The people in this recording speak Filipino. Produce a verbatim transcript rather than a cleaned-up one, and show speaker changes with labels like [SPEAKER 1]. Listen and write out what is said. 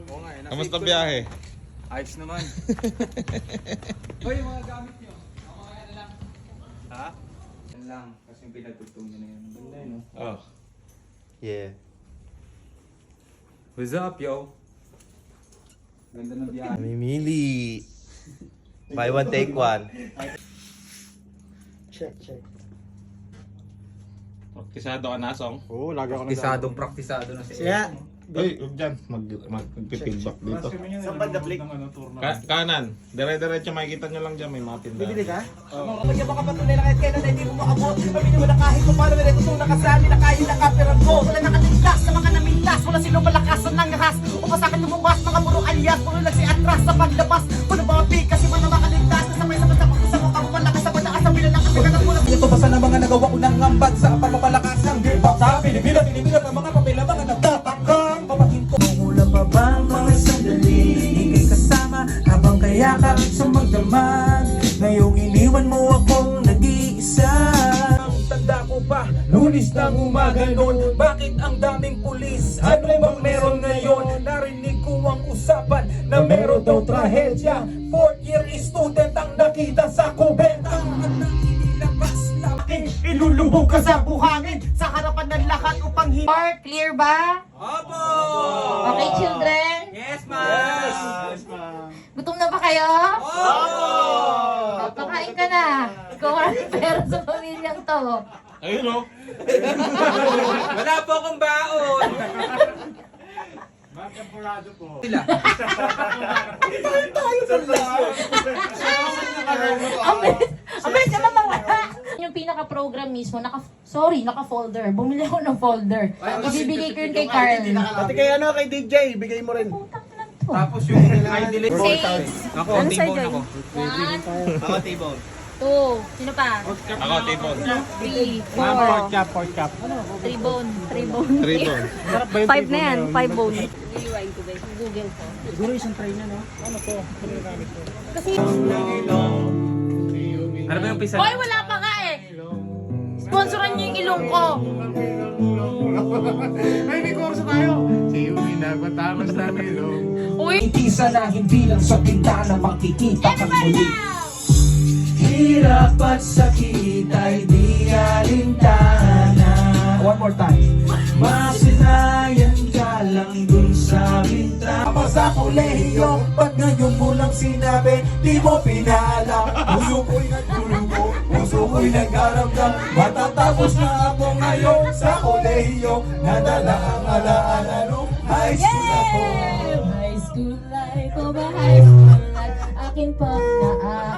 [SPEAKER 1] Oo nga, eh.
[SPEAKER 2] Kamusta biyahe?
[SPEAKER 1] Ayos naman. Hoy, yung mga gamit nyo. Ako kaya na lang. Ha? Yan lang. Kasi yung pinagtugtong nyo na yun. Ang ganda yun, no?
[SPEAKER 2] Oh.
[SPEAKER 3] Yeah.
[SPEAKER 1] What's up, yo? Ganda ng biyahe.
[SPEAKER 3] Mamimili. Buy one, take one.
[SPEAKER 4] Check, check.
[SPEAKER 2] Praktisado ka na, Song?
[SPEAKER 4] Oo, lagi ako
[SPEAKER 1] Praktisadong praktisado na si
[SPEAKER 4] Siya.
[SPEAKER 2] Uy, huwag dyan. Mag, mag, mag-feedback dito.
[SPEAKER 4] Saan ba the flick?
[SPEAKER 2] Ka kanan. Dire-diretso makikita nyo lang dyan. May mga tindahan.
[SPEAKER 4] Bibili ka?
[SPEAKER 5] Kaya baka patuloy na kahit kailan ay di mo maabot. Pamili mo na kahit kung paano may tutulong ka sa amin na kaya nakapiran ko. Wala nakaligtas na mga namintas. Wala silang malakasan ng ahas. O pa sa akin lumabas mga puro alias. Puro lang si atras sa paglabas. Puno mga big kasi wala makaligtas. Nasabay-sabay sa pagkasama ka. Malakas sa pataas ang bilang kasi kagagulang. Ito basta na mga nagawa ko ng ngambag sa pagpapalakas ng hip-hop. Sa Pilipinas, Pilipinas ang mga papel ang mga nagtatakang. Papahinto. Mula pa ba mga sandali? Ika'y kasama habang kayakap sa magdamag. Ngayong iniwan mo akong nag-iisa. Ang tanda ko pa, lunis ng umaga noon. Bakit ang daming pulis? Ano bang meron ngayon? Narinig ko ang usapan na meron daw trahedya. Fourth year student ang nakita sa kubenta. Ilulubog ka sa buhangin sa harapan ng lahat upang hin...
[SPEAKER 6] Or clear ba?
[SPEAKER 5] Opo!
[SPEAKER 6] Okay, children?
[SPEAKER 5] Yes, ma'am!
[SPEAKER 4] Yes, ma'am.
[SPEAKER 6] Gutom na ba kayo?
[SPEAKER 5] Opo!
[SPEAKER 6] O, pakain ka na. Ikaw ang pera sa pamilyang to.
[SPEAKER 2] Ayun, oh.
[SPEAKER 5] Wala po akong baon!
[SPEAKER 4] Mga temporado po.
[SPEAKER 5] Sila.
[SPEAKER 6] Ang bilis, ang bilis naman mawala. Yung pinaka-program mismo, naka, sorry, naka-folder. Bumili ako ng folder. Ibibigay ko yun kay Carl.
[SPEAKER 4] Pati kay ano, kay D J, bigay mo rin.
[SPEAKER 6] Putang na to.
[SPEAKER 1] Tapos yung I delete.
[SPEAKER 6] Six.
[SPEAKER 1] Ako,
[SPEAKER 6] Ano
[SPEAKER 1] table
[SPEAKER 6] sa'yo,
[SPEAKER 1] ako.
[SPEAKER 6] One,
[SPEAKER 3] Ako, table.
[SPEAKER 6] two, sino pa?
[SPEAKER 2] Ako, table.
[SPEAKER 6] Three,
[SPEAKER 4] Pork
[SPEAKER 6] four,
[SPEAKER 4] chop, pork chop.
[SPEAKER 6] three bone, three bone.
[SPEAKER 2] Three bone.
[SPEAKER 6] Five na yan, five bone. Rewind ko guys, Google ko.
[SPEAKER 4] Siguro isang tray na, no? Ano to? Ano yung gamit ko?
[SPEAKER 6] Kasi,
[SPEAKER 1] Ano ba yung pisa?
[SPEAKER 6] hoy, wala pa nga eh. Sponsoran niyo yung ilong ko.
[SPEAKER 4] Ay, may kurso tayo. Si Umi nagpatamas na milong.
[SPEAKER 6] Uy,
[SPEAKER 5] Itisa na hindi lang sa bintana makikita kang
[SPEAKER 6] everybody
[SPEAKER 5] muli.
[SPEAKER 6] now!
[SPEAKER 5] Hirap at sakit ay di alintana. One more time. Masinayan ka lang dun sa bintana. Tapos sa kolehiyo, ba't ngayon mo lang sinabi? Di mo pinaalam. Puso ko'y nagdulugo, puso ko'y nag-aramdam. Matatapos na ako ngayon sa kolehiyo. Nadala ang alaala nung high school ako.
[SPEAKER 6] High school life, oh ba high school life? Akin pang naa